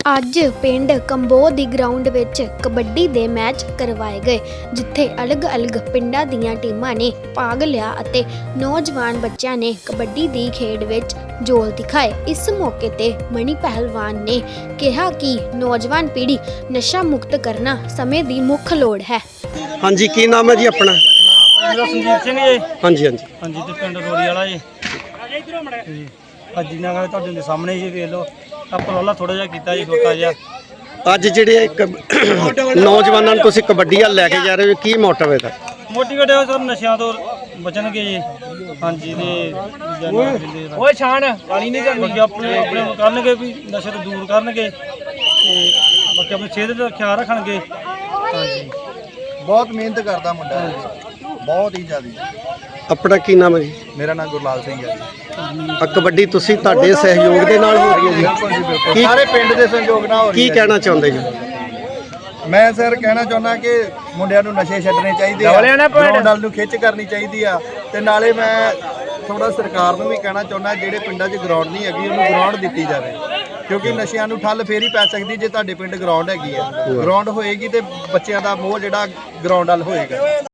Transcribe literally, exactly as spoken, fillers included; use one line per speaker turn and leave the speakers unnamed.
ਅੱਜ ਪਿੰਡ ਕੰਬੋਹ ਦੀ ਗਰਾਊਂਡ ਵਿੱਚ ਕਬੱਡੀ ਦੇ ਮੈਚ ਕਰਵਾਏ ਗਏ, ਜਿੱਥੇ ਅਲੱਗ-ਅਲੱਗ ਪਿੰਡਾਂ ਦੀਆਂ ਟੀਮਾਂ ਨੇ ਭਾਗ ਲਿਆ ਅਤੇ ਨੌਜਵਾਨ ਬੱਚਿਆਂ ਨੇ ਕਬੱਡੀ ਦੀ ਖੇਡ ਵਿੱਚ ਜੋਲ ਦਿਖਾਏ। ਇਸ ਮੌਕੇ ਤੇ ਮਣੀ ਪਹਿਲਵਾਨ ਨੇ ਕਿਹਾ ਕਿ ਨੌਜਵਾਨ ਪੀੜ੍ਹੀ ਨਸ਼ਾ ਮੁਕਤ ਕਰਨਾ ਸਮੇਂ ਦੀ ਮੁੱਖ ਲੋੜ ਹੈ।
ਹਾਂਜੀ, ਕੀ ਨਾਮ ਹੈ ਜੀ ਆਪਣਾ?
ਮੇਰਾ ਸੰਜੀਤ ਸਿੰਘ ਜੀ।
ਹਾਂਜੀ ਹਾਂਜੀ
ਹਾਂਜੀ ਤੇ ਪਿੰਡ ਰੋੜੀ ਵਾਲਾ ਜੀ। ਅੱਜ ਇਹਨਾਂ ਨਾਲ ਤੁਹਾਡੇ ਦੇ ਸਾਹਮਣੇ ਜੀ ਵੇਖ ਲਓ, ਆਪਰੋਲਾ ਥੋੜਾ ਜਿਹਾ ਕੀਤਾ ਜੀ, ਛੋਟਾ ਜਿਹਾ।
ਅੱਜ ਜਿਹੜੇ ਇੱਕ ਨੌਜਵਾਨਾਂ ਨੂੰ ਤੁਸੀਂ ਕਬੱਡੀ ਵੱਲ ਲੈ ਕੇ ਜਾ ਰਹੇ ਹੋ, ਕੀ ਮੋਟਿਵ ਹੈ ਇਹਦਾ?
ਮੋਟੀਵੇਟ ਹੋ ਸਰ, ਨਸ਼ਿਆਂ ਤੋਂ ਬਚਣਗੇ ਜੀ। ਹਾਂਜੀ ਤੇ ਓਏ ਛਾਣ ਕਾਲੀ ਨਹੀਂ ਕਰਨੀ, ਆਪਣੇ ਆਪਣੇ ਕਰਨਗੇ ਵੀ ਨਸ਼ੇ ਤੋਂ ਦੂਰ ਕਰਨਗੇ ਤੇ ਬਾਕੀ ਆਪਣੀ ਸਿਹਤ ਦਾ ਖਿਆਲ ਰੱਖਣਗੇ। ਹਾਂਜੀ,
ਬਹੁਤ ਮਿਹਨਤ ਕਰਦਾ ਮੁੰਡਾ, ਬਹੁਤ ਹੀ ਜ਼ਿਆਦਾ।
ਆਪਣਾ ਕੀ ਨਾਮ ਹੈ ਜੀ?
ਮੇਰਾ ਨਾਮ ਗੁਰਲਾਲ ਸਿੰਘ ਹੈ ਜੀ।
ਆ ਕਬੱਡੀ ਤੁਸੀਂ ਤੁਹਾਡੇ ਸਹਿਯੋਗ ਦੇ ਨਾਲ ਹੋ ਰਹੀ ਹੈ ਜੀ?
ਬਿਲਕੁਲ ਜੀ, ਬਿਲਕੁਲ।
ਕੀ-
ਸਾਰੇ ਪਿੰਡ ਦੇ ਸਹਿਯੋਗ ਨਾਲ ਹੋ ਰਹੀ
ਕੀ
ਹੈ।
ਕਹਿਣਾ ਚਾਹੁੰਦੇ ਜੀ?
ਮੈਂ ਸਰ ਕਹਿਣਾ ਚਾਹੁੰਦਾ ਕਿ ਮੁੰਡਿਆਂ ਨੂੰ ਨਸ਼ੇ ਛੱਡਣੇ ਚਾਹੀਦੇ ਆ, ਗਰਾਊਂਡ ਵੱਲ ਨੂੰ ਖਿੱਚ ਕਰਨੀ ਚਾਹੀਦੀ ਆ। ਤੇ ਨਾਲੇ ਮੈਂ ਥੋੜਾ ਸਰਕਾਰ ਨੂੰ ਵੀ ਕਹਿਣਾ ਚਾਹੁੰਦਾ, ਜਿਹੜੇ ਪਿੰਡਾਂ 'ਚ ਗਰਾਊਂਡ ਨਹੀਂ ਹੈਗੀ ਉਹਨੂੰ ਗਰਾਊਂਡ ਦਿੱਤੀ ਜਾਵੇ, ਕਿਉਂਕਿ ਨਸ਼ਿਆਂ ਨੂੰ ਠੱਲ ਫੇਰ ਹੀ ਪੈ ਸਕਦੀ ਜੇ ਤੁਹਾਡੇ ਪਿੰਡ ਗਰਾਊਂਡ ਹੈਗੀ ਆ। ਗਰਾਊਂਡ ਹੋਏਗੀ ਤੇ ਬੱਚਿਆਂ ਦਾ ਮੋਹ ਜਿਹੜਾ ਗਰਾਊਂਡ ਵੱਲ ਹੋਏਗਾ।